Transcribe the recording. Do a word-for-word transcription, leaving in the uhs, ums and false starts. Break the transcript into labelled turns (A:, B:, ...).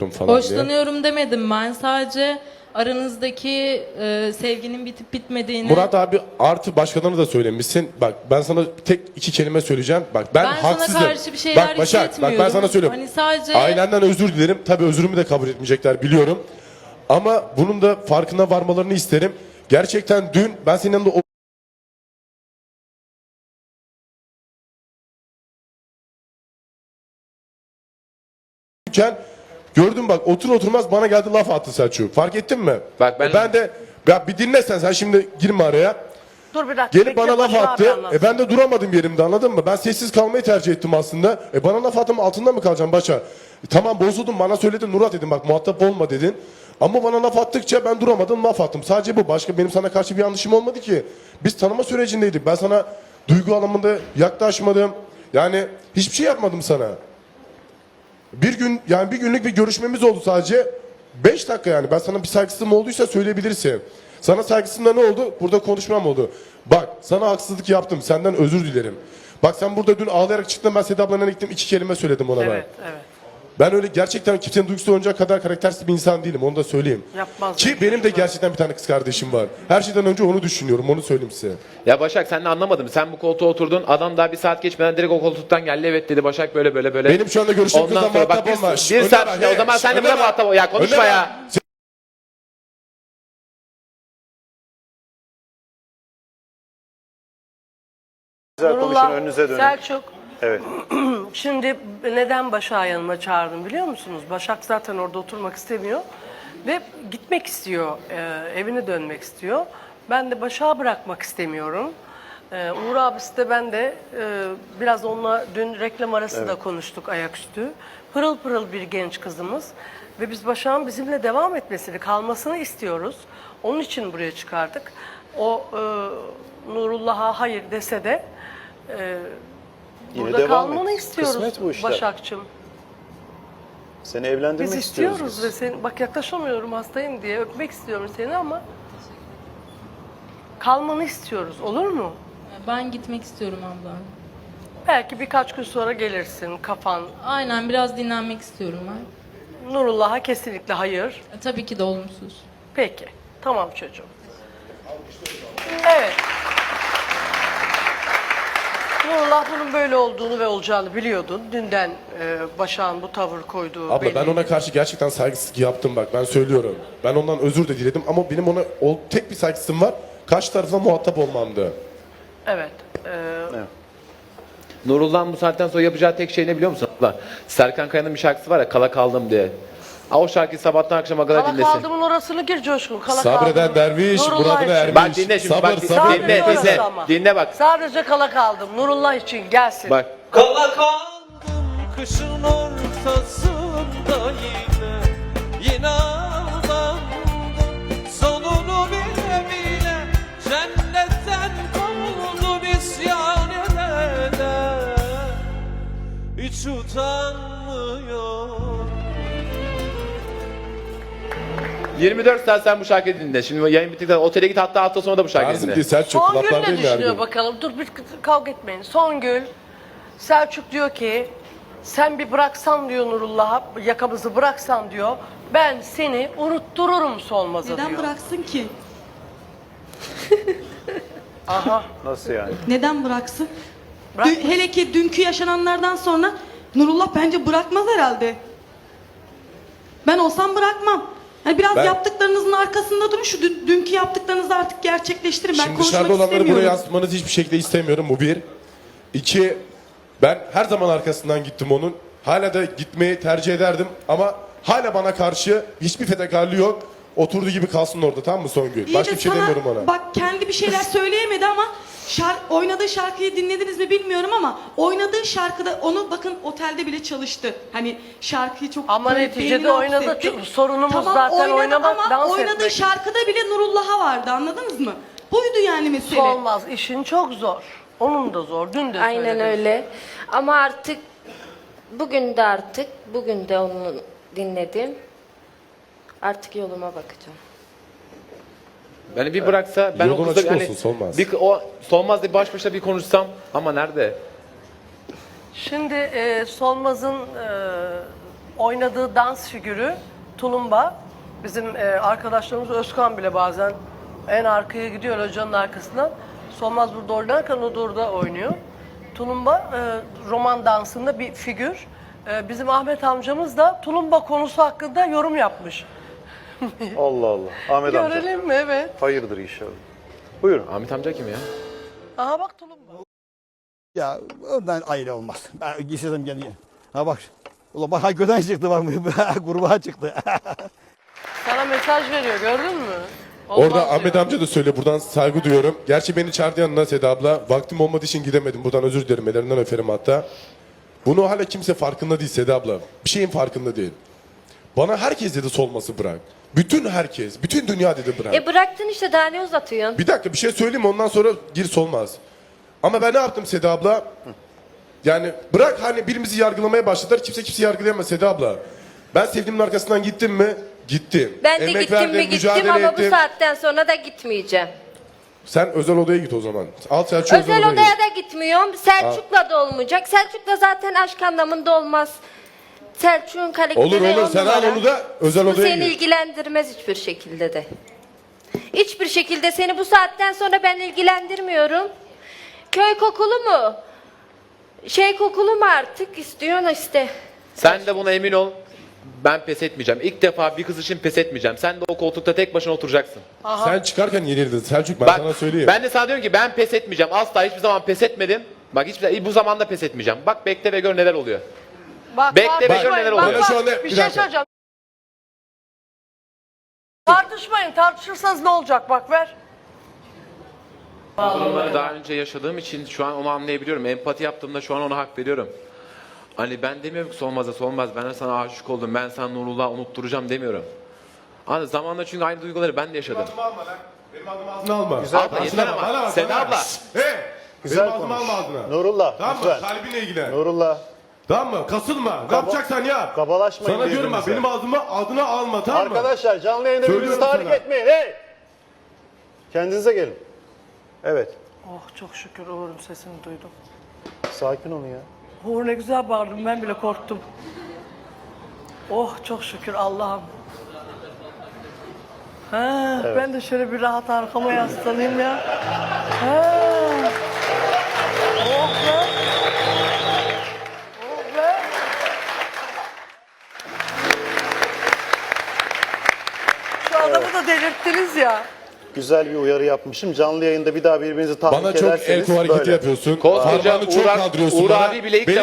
A: falan diye.
B: Hoşlanıyorum demedim ben. Sadece aranızdaki e, sevginin bitip bitmediğini...
A: Murat abi artı başkalarına da söylemişsin. Bak ben sana tek iki kelime söyleyeceğim. Bak ben,
B: Ben sana
A: haksızım.
B: karşı bir şeyler
A: bak Başak, bak ben
B: hissetmiyorum.
A: sana söylüyorum.
B: Hani sadece-
A: Ailenden özür dilerim. Tabii özrümü de kabul etmeyecekler biliyorum. Ama bunun da farkına varmalarını isterim. Gerçekten dün ben senin yanında o iken gördüm bak otur oturmaz bana geldi laf attı Selçuk. Fark ettin mi?
C: Bak ben-
A: ben de ya bir dinlesen sen şimdi girme araya.
D: Dur bir dakika.
A: Gelip
D: bekle,
A: bana laf
D: Barış abi
A: attı.
D: anlatsın.
A: E ben de duramadım yerimde anladın mı? Ben sessiz kalmayı tercih ettim aslında. E bana laf attım altında mı kalacağım başa? E tamam bozuldum bana söyledin Murat dedim bak muhatap olma dedin. Ama bana laf attıkça ben duramadım laf attım. Sadece bu. Başka benim sana karşı bir yanlışım olmadı ki. Biz tanıma sürecindeydik. Ben sana duygu anlamında yaklaşmadım. Yani hiçbir şey yapmadım sana. Bir gün yani bir günlük bir görüşmemiz oldu sadece. Beş dakika yani. Ben sana bir saygısızlığım olduysa söyleyebilirsin. Sana saygısızlığımda ne oldu? Burada konuşmam oldu. Bak sana haksızlık yaptım. Senden özür dilerim. Bak sen burada dün ağlayarak çıktın. Ben Seda ablanın gittim. iki kelime söyledim ona
D: Evet,
A: ben.
D: evet.
A: Ben öyle gerçekten kimsenin duygusu oynayacak kadar karaktersiz bir insan değilim. Onu da söyleyeyim.
D: Yapmaz
A: Ki
D: yani.
A: benim de gerçekten bir tane kız kardeşim var. Her şeyden önce onu düşünüyorum. Onu söyleyeyim size.
C: Ya Başak sen de anlamadım. Sen bu koltuğa oturdun. Adam daha bir saat geçmeden direkt o koltuktan geldi. Evet dedi Başak böyle böyle böyle.
A: Benim şu anda görüştüğüm
C: Ondan
A: kızla
C: sonra bak
A: muhatap
C: bir,
A: olma.
C: bir
A: Şş,
C: saat
A: Önder,
C: işte o zaman
A: şş,
C: sen de buna
A: Önder,
C: muhatap ol. Ya konuşma
A: Önder,
C: ya.
E: Güzel konuşun,
D: Nurullah,
E: önünüze dönün.
D: Selçuk,
E: Evet.
D: şimdi neden Başak'ı yanıma çağırdım biliyor musunuz? Başak zaten orada oturmak istemiyor ve gitmek istiyor, e, evine dönmek istiyor. Ben de Başak'ı bırakmak istemiyorum. E, Uğur abisi de ben de e, biraz onunla dün reklam arası da konuştuk ayaküstü. Pırıl pırıl bir genç kızımız ve biz Başak'ın bizimle devam etmesini, kalmasını istiyoruz. Onun için buraya çıkardık. O e, Nurullah'a hayır dese de e,
E: Yine
D: burada
E: devam
D: kalmanı
E: et.
D: istiyoruz
E: Kısmet bu işler.
D: Başakçığım.
E: Seni evlendirmek
D: Biz
E: istiyoruz.
D: istiyoruz
E: biz.
D: ve seni, bak yaklaşamıyorum hastayım diye öpmek istiyorum seni ama kalmanı istiyoruz olur mu?
B: Ben gitmek istiyorum abla.
D: Belki birkaç gün sonra gelirsin kafan.
B: Aynen biraz dinlenmek istiyorum ben.
D: Nurullah'a kesinlikle hayır.
B: E, tabii ki de olumsuz.
D: Peki tamam çocuğum. Evet. Nurullah bunun böyle olduğunu ve olacağını biliyordun. Dünden e, Başak'ın bu tavır koyduğu
A: Abla
D: belli.
A: ben ona karşı gerçekten saygısızlık yaptım bak ben söylüyorum. Ben ondan özür de diledim ama benim ona o, tek bir saygısızlığım var. Karşı tarafına muhatap olmamdı.
D: Evet. e,
C: Nurullah'ın bu saatten sonra yapacağı tek şey ne biliyor musun? Abla? Serkan Kaya'nın bir şarkısı var ya Kala Kaldım diye. Ha, o şarkıyı sabahtan akşama kadar
D: Kala
C: dinlesin.
D: kaldımın orasını gir Coşkun. Kala
A: Sabreden
D: kaldım.
A: derviş,
D: Nurullah
A: muradına
D: için.
A: ermiş.
C: Bak dinle şimdi
A: Sabır,
C: bak
A: sabır.
C: dinle dinle
D: Sabrediyoruz
C: dinle.
D: ama.
C: Dinle bak.
D: Sadece kala kaldım. Nurullah için gelsin.
C: Bak.
F: Kala kaldım kışın ortasında yine Yine aldandım sonunu bile bile Cennetten kovuldum isyan edene Hiç utanmıyor
C: yirmi dört saat sen bu şarkıyı dinle. Şimdi yayın bittikten sonra otele git hatta hafta sonu da bu şarkıyı
A: Tarzım
C: dinle.
A: değil Selçuk.
D: Songül
A: Kulaklar
D: ne
A: değil mi her
D: düşünüyor
A: gün?
D: bakalım? Dur bir kavga etmeyin. Songül, Selçuk diyor ki sen bir bıraksan diyor Nurullah'a yakamızı bıraksan diyor. Ben seni unuttururum Solmaz'a
G: Neden
D: diyor.
G: bıraksın ki?
D: Aha.
E: Nasıl yani?
G: Neden bıraksın?
D: Bırak-
G: Dün- hele ki dünkü yaşananlardan sonra Nurullah bence bırakmaz herhalde. Ben olsam bırakmam. Hani biraz
A: Ben-
G: yaptıklarınızın arkasında durun. Şu dün- dünkü yaptıklarınızı artık gerçekleştirin. Ben
A: Şimdi
G: konuşmak
A: dışarıda olanları
G: istemiyorum.
A: buraya yansıtmanızı hiçbir şekilde istemiyorum bu bir. İki, ben her zaman arkasından gittim onun. Hala da gitmeyi tercih ederdim ama hala bana karşı hiçbir fedakarlığı yok. Oturduğu gibi kalsın orada tamam mı Songül?
G: İyi
A: Başka
G: de
A: bir şey
G: sana
A: demiyorum ona.
G: Bak kendi bir şeyler söyleyemedi ama şar oynadığı şarkıyı dinlediniz mi bilmiyorum ama oynadığı şarkıda onu bakın otelde bile çalıştı. Hani şarkıyı çok
D: Ama
G: böyle
D: neticede
G: beynine
D: oynadı.
G: hapsetti.
D: Çünkü sorunumuz
G: tamam,
D: zaten
G: oynadı
D: oynamak,
G: ama
D: dans
G: oynadığı
D: etmek.
G: şarkıda bile Nurullah'a vardı anladınız mı? Buydu yani mesele.
D: Olmaz. İşin çok zor. Onun da zor. Dün de
H: Aynen
D: söyledim.
H: öyle. Ama artık bugün de artık bugün de onu dinledim. Artık yoluma bakacağım.
C: Beni bir bıraksa ben
A: Yolun
C: o kızla
A: açık
C: yani
A: olsun, Solmaz.
C: bir o Solmaz diye baş başa bir konuşsam ama nerede?
D: Şimdi e, Solmaz'ın e, oynadığı dans figürü tulumba. Bizim e, arkadaşlarımız Özkan bile bazen en arkaya gidiyor hocanın arkasından. Solmaz burada oynarken o da orada oynuyor. Tulumba e, roman dansında bir figür. E, bizim Ahmet amcamız da tulumba konusu hakkında yorum yapmış.
E: Allah Allah. Ahmet amca.
D: Görelim mi? Evet.
E: Hayırdır inşallah. Buyurun.
C: Ahmet amca kim ya?
D: Aha bak tulumba.
I: Ya ondan ayrı olmaz. Ben gitsedim geliyor. Ha bak. Ulan bak göden çıktı bak. Gruba çıktı.
D: Sana mesaj veriyor gördün mü? Olmaz
A: Orada
D: diyor.
A: Ahmet amca da söyle, buradan saygı duyuyorum. Gerçi beni çağırdı yanına Seda abla. Vaktim olmadığı için gidemedim. Buradan özür dilerim, ellerinden öperim hatta. Bunu hala kimse farkında değil Seda abla. Bir şeyin farkında değil. Bana herkes dedi solması bırak. Bütün herkes, bütün dünya dedi bırak.
H: E bıraktın işte, daha ne uzatıyorsun?
A: Bir dakika bir şey söyleyeyim mi? Ondan sonra gir solmaz. Ama ben ne yaptım Seda abla? Yani bırak hani birimizi yargılamaya başladılar. Kimse kimse yargılayamaz Seda abla. Ben sevdiğimin arkasından gittim mi? Gittim.
H: Ben de
A: Emek
H: gittim
A: verdim,
H: mi gittim
A: mücadele
H: ama
A: ettim.
H: bu saatten sonra da gitmeyeceğim.
A: Sen özel odaya git o zaman. Al Selçuk özel,
H: Özel
A: odaya
H: odaya
A: git.
H: da gitmiyorum. Selçuk'la da olmayacak. Selçuk'la zaten aşk anlamında olmaz. Selçuk'un karakteri
A: Olur olur
H: on
A: sen al
H: numara.
A: onu da özel
H: Bu
A: odaya
H: seni
A: git.
H: ilgilendirmez hiçbir şekilde de. Hiçbir şekilde seni bu saatten sonra ben ilgilendirmiyorum. Köy kokulu mu? Şey kokulu mu artık istiyorsun işte.
C: Sen de buna emin ol. Ben pes etmeyeceğim. İlk defa bir kız için pes etmeyeceğim. Sen de o koltukta tek başına oturacaksın.
A: Sen çıkarken yenildin Selçuk, ben
C: Bak,
A: sana söyleyeyim.
C: ben de sana diyorum ki ben pes etmeyeceğim. Asla hiçbir zaman pes etmedim. Bak hiçbir bu zamanda pes etmeyeceğim. Bak bekle ve gör neler oluyor.
D: Bak,
C: Bekle ve
D: tartışmayın,
C: gör neler
D: bak,
C: oluyor.
D: bak,
A: Şu anda-
D: bir
A: bir
D: şey
A: dakika.
D: söyleyeceğim. Tartışmayın, tartışırsanız ne olacak bak ver.
C: Bunları daha önce yaşadığım için şu an onu anlayabiliyorum. Empati yaptığımda şu an ona hak veriyorum. Hani ben demiyorum ki Solmaz'a Solmaz ben de sana aşık oldum. Ben sana Nurullah'ı unutturacağım demiyorum. Hani zamanla çünkü aynı duyguları ben de yaşadım.
A: alma lan. Benim adımı ağzına alma.
C: Abla
A: Ağzına
C: yeter
A: bak,
C: ama.
A: bana bak,
C: Seda
A: bana.
C: abla.
A: He.
E: Güzel
A: Benim adımı
E: konuş.
A: alma ağzına.
E: Nurullah
A: Tamam mı?
E: lütfen.
A: Kalbinle ilgilen.
E: Nurullah.
A: Tamam mı? Kasılma. Ne yapacaksan yap.
E: Kabalaşmayın
A: Sana diyorum bak,
E: birbirinize.
A: benim adımı adına alma, tamam mı?
E: Arkadaşlar canlı yayında birbirinizi
A: Söylüyorum
E: tahrik
A: sana.
E: etmeyin. Hey! Kendinize gelin. Evet.
D: Oh çok şükür Uğur'un sesini duydum.
E: Sakin olun ya.
D: Uğur ne güzel bağırdım, ben bile korktum. Oh çok şükür Allah'ım. Ha, ben de şöyle bir rahat arkama yaslanayım ya. Ha. Oh be. Oh be. Şu adamı da delirttiniz ya.
E: Güzel bir uyarı yapmışım. Canlı yayında bir daha birbirinizi tahrik
A: Bana çok el
E: ederseniz
A: kol hareketi
E: böyle.
A: yapıyorsun.
C: Koskoca
A: Parmağını çok
C: Uğur-
A: kaldırıyorsun
C: Uğur
A: bana.
C: abi bile ilk
A: Beni